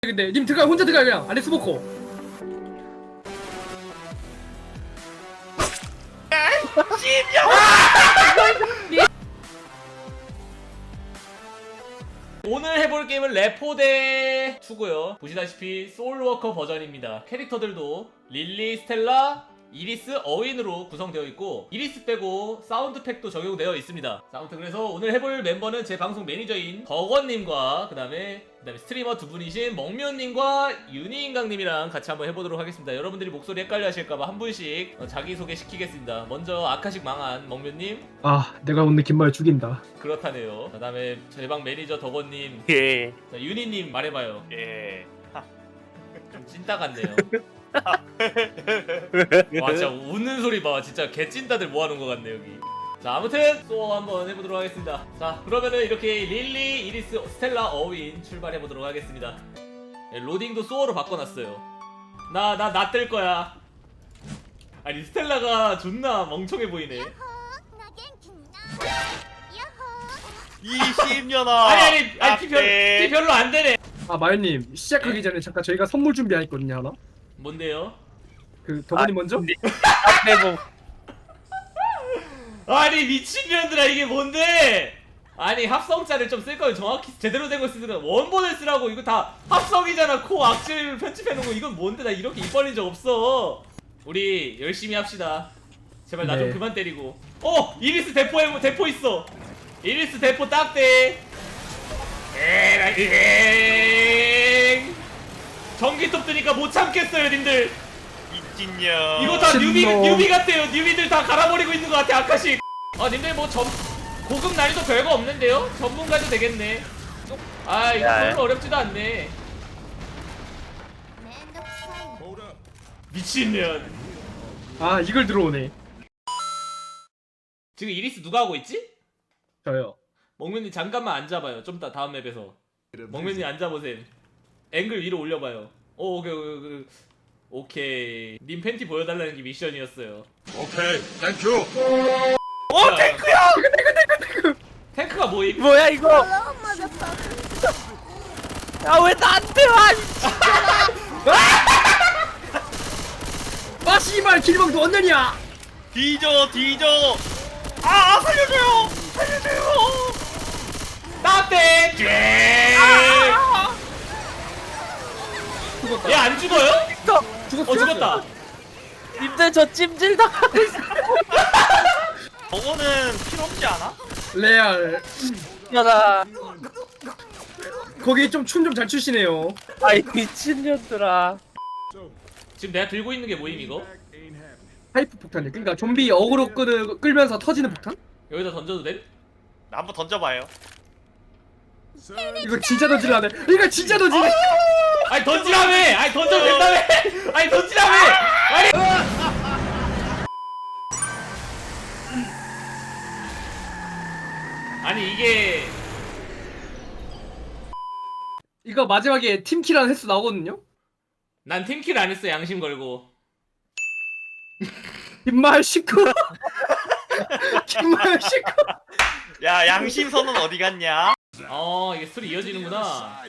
근데 님 들어가 혼자 들어가 그냥 안에 스모커. 오늘 해볼 게임은 레포대 2고요. 보시다시피 소울워커 버전입니다. 캐릭터들도 릴리, 스텔라, 이리스, 어윈으로 구성되어 있고 이리스 빼고 사운드팩도 적용되어 있습니다. 자, 아무튼 그래서 오늘 해볼 멤버는 제 방송 매니저인 덕원님과 그 다음에 스트리머 두 분이신 먹면님과 유니인강님이랑 같이 한번 해보도록 하겠습니다. 여러분들이 목소리 헷갈려 하실까봐 한 분씩 자기소개 시키겠습니다. 먼저 아카식 망한 먹면님. 아 내가 오늘 긴말 죽인다. 그렇다네요. 그 다음에 제 방 매니저 덕원님. 예. 자, 유니님 말해봐요. 예. 좀 찐따 같네요. 와 진짜 웃는 소리 봐. 진짜 개찐따들 모아놓은 것 같네 여기. 자, 아무튼 소어 한번 해보도록 하겠습니다. 자, 그러면은 이렇게 릴리, 이리스, 스텔라, 어윈 출발해보도록 하겠습니다. 예, 로딩도 소어로 바꿔놨어요. 나 뜰 거야. 아니 스텔라가 존나 멍청해 보이네. 20년아. 아니 피 별로 안 되네. 아 마연님 시작하기 전에 잠깐 저희가 선물 준비했거든요 하나. 뭔데요? 그 덕원님 먼저. 대본. 아니 미친년들아 이게 뭔데? 아니 합성자를 좀 쓸 거면 정확히 제대로 된 걸 쓰더라. 원본을 쓰라고. 이거 다 합성이잖아. 코 악질 편집해놓은 거. 이건 뭔데? 나 이렇게 입 벌린 적 없어. 우리 열심히 합시다. 제발 나 좀 네. 그만 때리고. 이리스 대포 있어. 이리스 대포 딱대. 에라이. 전기톱 뜨니까 못 참겠어요 님들. 미친년. 이거 다 신놈. 뉴비 같아요. 뉴비들 다 갈아버리고 있는 것 같아. 아카식. 아 님들 뭐 고급 난이도 별거 없는데요? 전문가도 되겠네. 아 이거 야. 별로 어렵지도 않네. 미친년. 아 이걸 들어오네. 지금 이리스 누가 하고 있지? 저요. 먹면님 잠깐만 앉아봐요. 좀 이따 다음 맵에서. 먹면님 앉아보셈. 앵글 위로 올려봐요. 오케이. 님 팬티 보여달라는 게 미션이었어요. 오케이, 땡큐. 탱크야! 탱크가 뭐임? 뭐야 이거? 야왜 나한테 와? 아 씨발 길망도 원년이야. 뒤져. 아 살려줘요. 나한테! 죽었다. 얘 안 죽어요? 죽었어. 죽었다. 님들 저 찜질 당하고 있어. 저거는 필요 없지 않아? 레알. 야나. 거기 좀 춤 좀 잘 추시네요. 아이 미친년들아. 지금 내가 들고 있는 게 뭐임 이거? 하이프 폭탄이. 그러니까 좀비 어그로 끌면서 터지는 폭탄? 여기다 던져도 돼? 나 한번 던져봐요. 이거 진짜 던지려네. 이거 진짜 던지네. 아니 던지라며! 아니 던져도 된다며! 아니 던지라며! 아니! 아니 이게 이거 마지막에 팀키라는 횟수 나오거든요. 난 팀킬 안 했어. 양심 걸고. 김말 식구. 김말 식구. 야 양심선은 어디 갔냐? 이게 스토리 이어지는구나.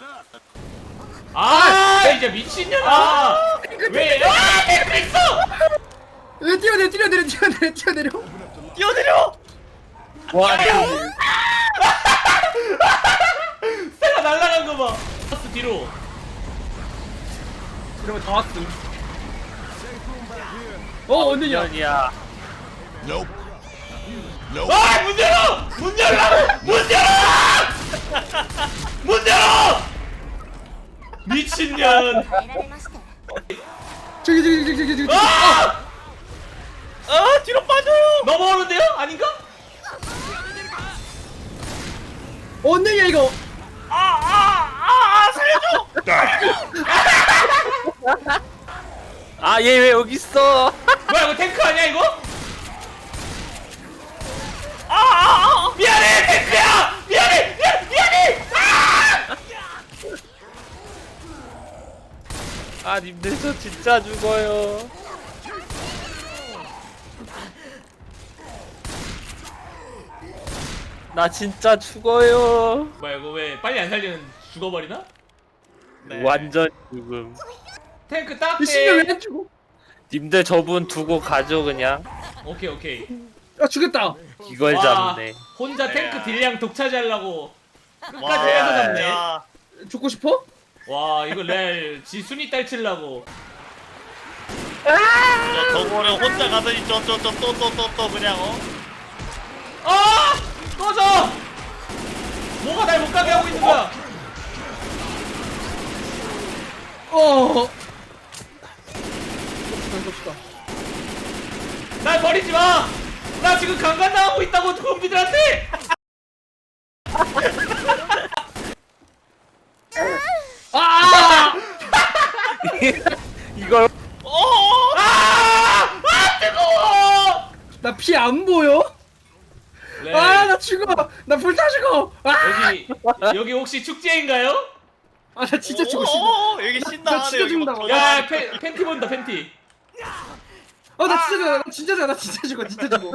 이제 미친년아! 왜? 탱크 있어! 뛰어내려. 뛰어내려. 와. 스텔라 날아간 거 봐. 버스 뒤로. 이러면 다 왔음. 원년이야. 년이야. Nope. 문 열어! 문 열라고! 문 열어! 미친년. 저기. 뒤로 빠져요. 넘어오는데요? 아닌가? 원년이야 이거. 살려줘. 아 얘 왜 여기 있어? 뭐야 이거 탱크 아니야 이거? 미안해 탱크야! 미안해! 아 님들 저 진짜 죽어요. 나 진짜 죽어요. 뭐야 이거 왜 빨리 안 살리면 죽어버리나? 네. 완전 죽음. 탱크 이 딱대. 씨발 왜안 죽어? 님들 저분 두고 가죠 그냥. 오케이 오케이. 아 죽였다. 이걸 와, 잡네. 혼자 탱크 딜량 독차지하려고 끝까지 와, 해서 잡네. 야, 죽고 싶어? 와 이거 렐 지순이 딸치려고. 저거를 혼자 가더니 또 그냥 아! 꺼져! 뭐가 날 못 가게 하고 있는 거야? 봅시다. 날 버리지 마! 나 지금 강간당하고 있다고 좀비들한테! 아! 이걸 아! 아 뜨거워! 나 피 안 보여? 렐, 아 나 죽어. 나 불타 죽어. 아! 여기 혹시 축제인가요? 아 나 진짜 죽고 싶어. 여기 나 신나하네. 진짜 여기 죽는다. 막 야 팬티 본다 팬티. 나 진짜 죽어. 나 진짜 죽어. 나 진짜 죽어. 진짜 죽어.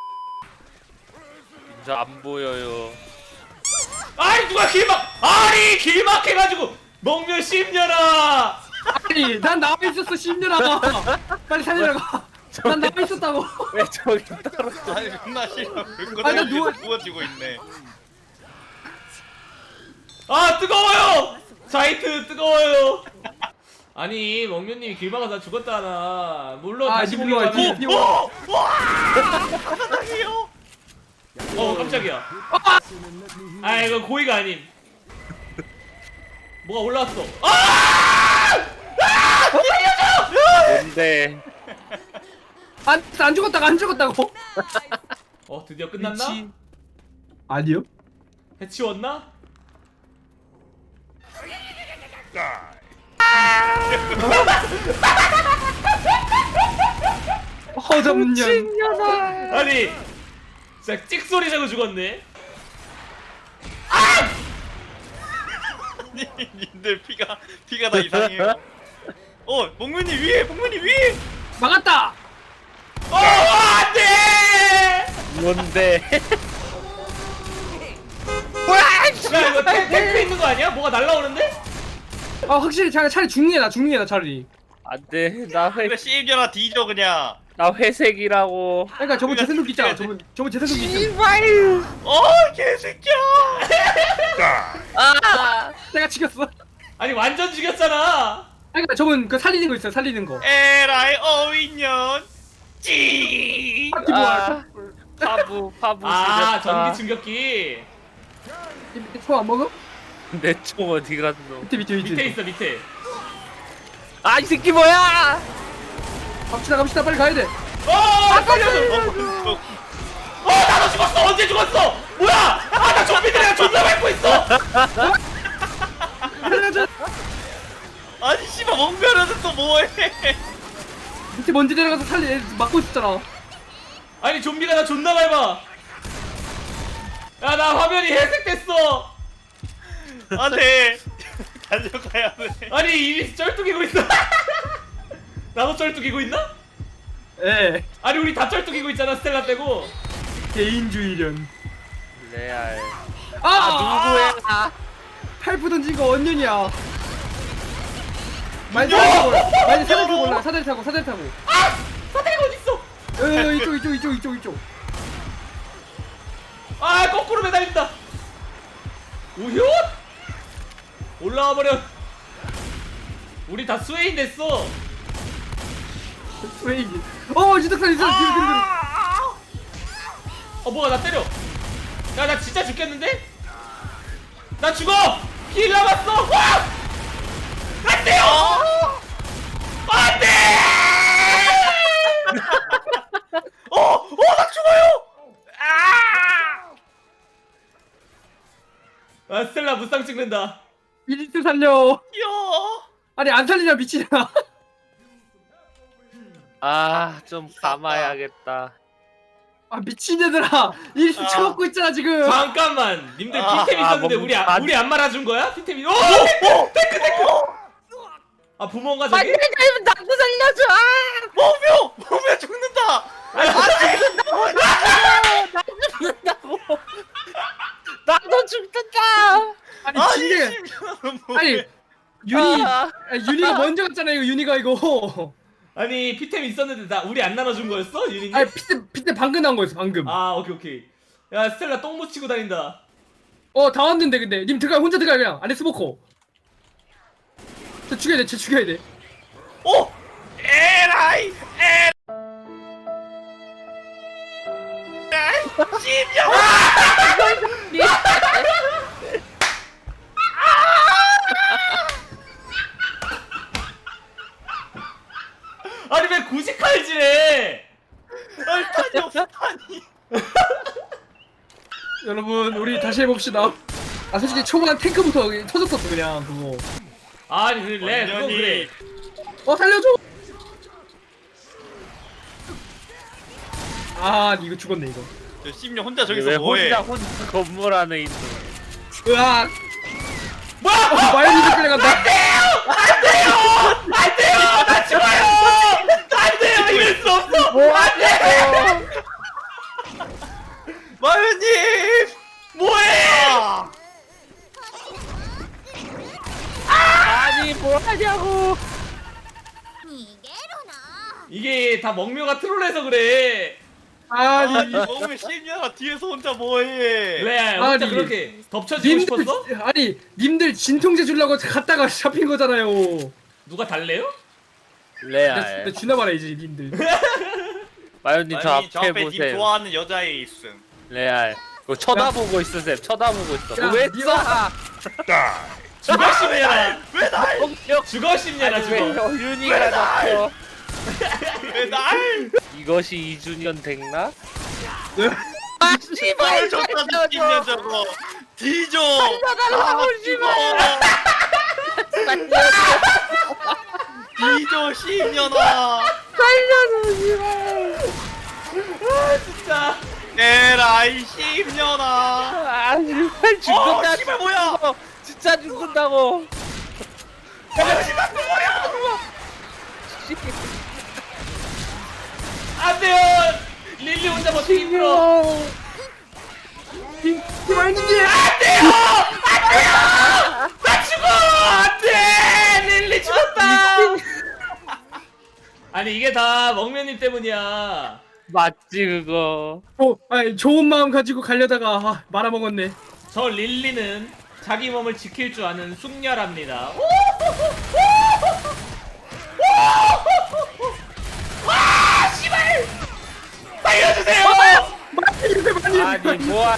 저 안 보여요. 아이 누가 아니 길막해가지고 먹면 씹녀라. 아니 난 나와 있었어 10년아. 빨리 살리라고. 난 나와 있었다고. 왜 저기 떨어져? 아니 존나 싫어. 아니, 나 누워- 누워지고 있네. 아 뜨거워요. 자이트 뜨거워요. 아니 먹면님이 길 막아서 죽었다 하나. 물론 아, 다시 니 보기로 물러와, 니 하면 물러와. 사랑해요. 깜짝이야. 아 이거 고의가 아님. 뭐가 올라왔어. 뭔데? 안 죽었다고 안 죽었다고. 드디어 끝났나? 미치. 아니요. 해치웠나? 허접년. 아니 진짜 찍소리 자고 죽었네. 님들 피가 다 이상해요. 목문이 위에, 목문이 위에. 막았다. 안돼! 뭔데? 야 이거 탱크 있는 거 아니야? 뭐가 날라오는데? 확실히 차라리 죽는 게 나 죽는 게 나 차라리. 안돼. 그래 씨입겨라 뒤져 그냥. 나 회색이라고. 그러니까 저번 재생도기 있잖아. 저번 재생도기 있잖아. 개새끼야. 내가 죽였어. 아니 완전 죽였잖아. 그러니까 저번 그 살리는 거 있어요. 살리는 거. 에라이 어윈년. 찌. 파티 뭐야? 파부 아 죽였다. 전기 충격기 초안 먹어? 내 총 어디 갔노? 밑에. 밑에 있어 밑에. 아 이 새끼 뭐야? 갑시다. 빨리 가야 돼. 살려줘. 나도 죽었어. 언제 죽었어? 뭐야? 나 좀비들이랑 존나 밟고 있어. 아니 씨발 멍별은 또 뭐해? 밑에 먼지 내려가서 막고 있었잖아. 아니 좀비가 나 존나 밟아. 야 나 화면이 회색됐어. 안돼. 달려가야 돼. 아니 이리 쩔뚝이고 있어. 나도 쩔뚝이고 있나? 예. 아니 우리 다 쩔뚝이고 있잖아 스텔라 빼고. 개인주의련. 레알. 누구야? 팔프 던진 거 언년이야. 많이 사다리 타고 올라. 사다리 타고. 사다리가 어딨어? 이쪽. 거꾸로 매달린다. 우효? 올라와 버려. 우리 다 스웨인 됐어. 스웨이기. 지덕산 있어. 뒤로. 뭐가 나 때려. 야 나 진짜 죽겠는데? 나 죽어. 힐 남았어. 와! 안 돼요. 안 돼! 나 죽어요. 스텔라 무쌍 찍는다. 이리트 살려. 야. 아니 안 살리냐 미치냐. 좀 감아야겠다. 미친 얘들아. 이리트 쳐먹고 있잖아 지금. 잠깐만. 님들 피템 있었는데 우리 안 말아준 거야? 피템이. 탱크. 부모인가 저기? 나도 살려줘. 몸에 죽는다. 나도 죽는다. 아니 진짜. 아니 윤희가 먼저 갔잖아 이거 윤희가 이거. 아니 피템 있었는데 나 우리 안 나눠준 거였어? 유닛이? 아니 피트 방금 나온 거였어 방금. 아 오케이. 야 스텔라 똥 묻히고 다닌다. 다 왔는데 근데 님 혼자 들어가 그냥 안에 스모커. 쟤 죽여야 돼. 쟤 죽여야 돼. 오! 에라이! 아니 왜 굳이 칼질해? 얼탄이 없다니. 여러분 우리 다시 해봅시다. 솔직히 초반 탱크부터 터졌었어 그냥 그거. 아니 그래 그건 그래. 살려줘. 이거 죽었네 이거. 저 심령 혼자 왜 저기서 뭐해? 혼자 건물 안에 있는. 으악. 뭐야? 마요니즈 끌려간다. 안돼요! 나 죽어요! 안돼요! 이럴 수 없어! 안돼! 마요님! 뭐해! 아니 뭐 하냐고. 이게 다 먹묘가 트롤해서 그래. 아니 몸을 심령아 뒤에서 혼자 뭐해? 레알 혼자 아니, 그렇게 덮쳐지고 싶었어? 님들 진통제 주려고 갔다가 잡힌 거잖아요. 누가 달래요? 레알. 나 주나 말아야지 님들. 마요님 저 아니 저 앞에 앞에 님 보세요. 좋아하는 여자애 있음. 레알. 그거 쳐다보고 있어 쌤. 쳐다보고 있어. 야, 왜 니가- 쏴? 죽어 싶냐라. 공격. 죽어 싶냐라 아니, 왜 죽어. 윤희가 잡혀? 왜 날? 이것이 2주년 됐나? 아 씨발 줬다 뒤집냐 저거. 뒤져. 살려달라고, 뒤져 심년아. 진짜. 에라이 심년아. 아니 죽는다. 씨발 뭐야? 진짜 죽는다고. 안돼요. 릴리 혼자 버티기 힘들어. 마요니즈. 나 죽어! 안돼! 릴리 죽었다. 아니 이게 다 먹면님 때문이야. 맞지 그거. 좋은 마음 가지고 가려다가 말아먹었네. 저 릴리는 자기 몸을 지킬 줄 아는 숙녀랍니다. 와, 씨발! 살려주세요! 아니 뭐야?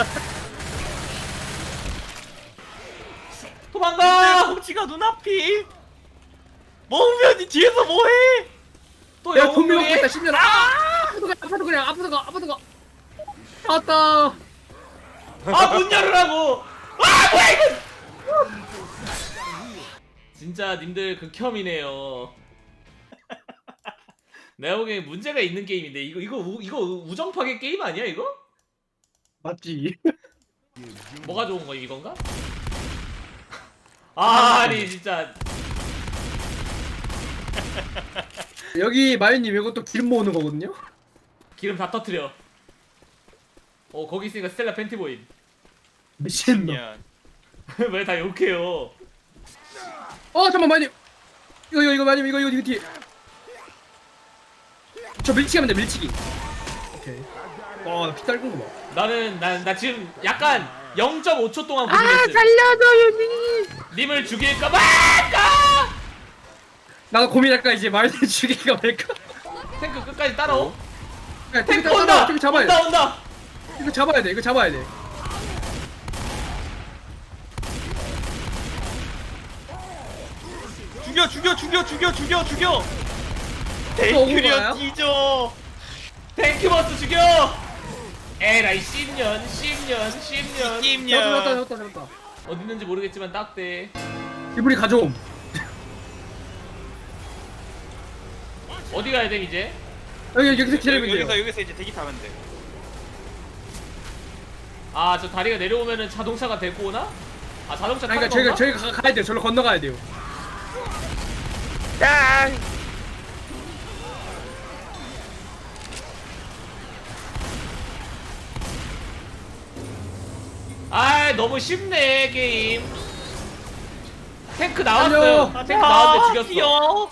도망가! 홍치가 눈앞이. 먹으면 뒤에서 뭐해? 또 내가 돈 영웅들이? 먹고 있다 10년. 앞으로 그냥 앞으로 가. 왔다. 문 열으라고! 뭐야 이거! 진짜 님들 극혐이네요. 내가 보기엔 문제가 있는 게임인데 이거 우정 파괴 게임 아니야 이거? 맞지. 뭐가 좋은 거 이건가? 아니 진짜 여기 마요님 이것도 기름 모으는 거거든요. 기름 다 터트려. 거기 있으니까 스텔라 팬티 보임. 미친놈. 심년. 왜 다 욕해요? 잠깐만 마요님. 이거 마요님 이거 뒤에. 저 밀치기 하면 돼 밀치기. 오케이. 나피 딸군 거 봐. 나 지금 약간 0.5초 동안 고민했어. 살려줘 윤희. 님을 죽일까 말까? 나도 고민할까 이제 마요님 죽이기가 말까. 탱크 끝까지 따라오. 야, 탱크 탱크 온다! 탱크 잡아야 돼. 온다! 이거 잡아야 돼. 죽여. 억울하나요? 데이큐리언 뒤져. 탱크버스 죽여! 에라이 10년. 잡았다. 어딨는지 모르겠지만 딱대. 이불이 가져옴. 어디 가야 돼 이제? 여기서 기다리면 돼요. 여기서 이제 대기 타면 돼. 아 저 다리가 내려오면은 자동차가 데리고 오나? 아 자동차 타는 그러니까 건가? 저희가 가야 돼요. 저로 건너가야 돼요. 짱. 아 너무 쉽네 게임. 탱크 나왔어요. 달려. 탱크 나왔는데 죽였어. 귀여워.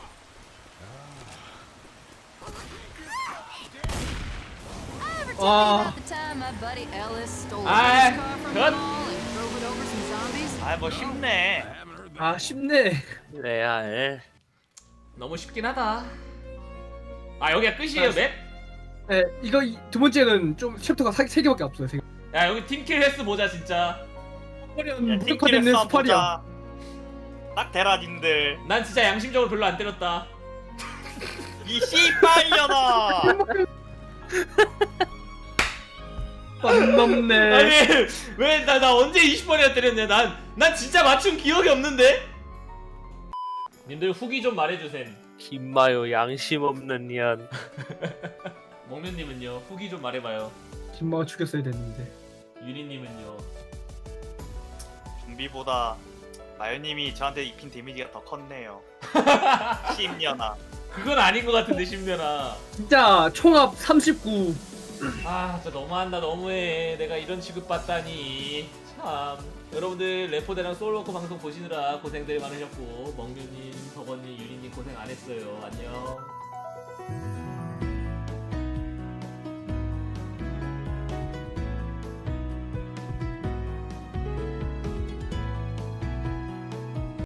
와. 아, 아, 뭐 쉽네. 아 쉽네. 레알. 너무 쉽긴 하다. 아 여기가 끝이에요 맵? 네, 이거 두 번째는 좀 챕터가 세 개밖에 없어요. 세 개. 야 여기 팀킬 횟수 보자 진짜. 스파리언 야, 무력화되는 팀킬에서 스파리언. 보자. 딱 대라 님들. 난 진짜 양심적으로 별로 안 때렸다. 이 씨발려나. 안 넘네. 아니 왜 나 언제 20번이나 때렸냐. 난 진짜 맞춘 기억이 없는데. 님들 후기 좀 말해주셈. 김마요 양심 없는 년. 먹면님은요 후기 좀 말해봐요. 김마가 죽였어야 됐는데. 유리님은요. 좀비보다 마요님이 저한테 입힌 데미지가 더 컸네요. 씨년아. 그건 아닌 것 같은데 신면아. 진짜 총합 39. 아 진짜 너무한다 너무해. 내가 이런 취급받다니 참. 여러분들 레포대랑 소울워커 방송 보시느라 고생들 많으셨고, 멍규님, 버거님, 유리님 고생 안 했어요. 안녕.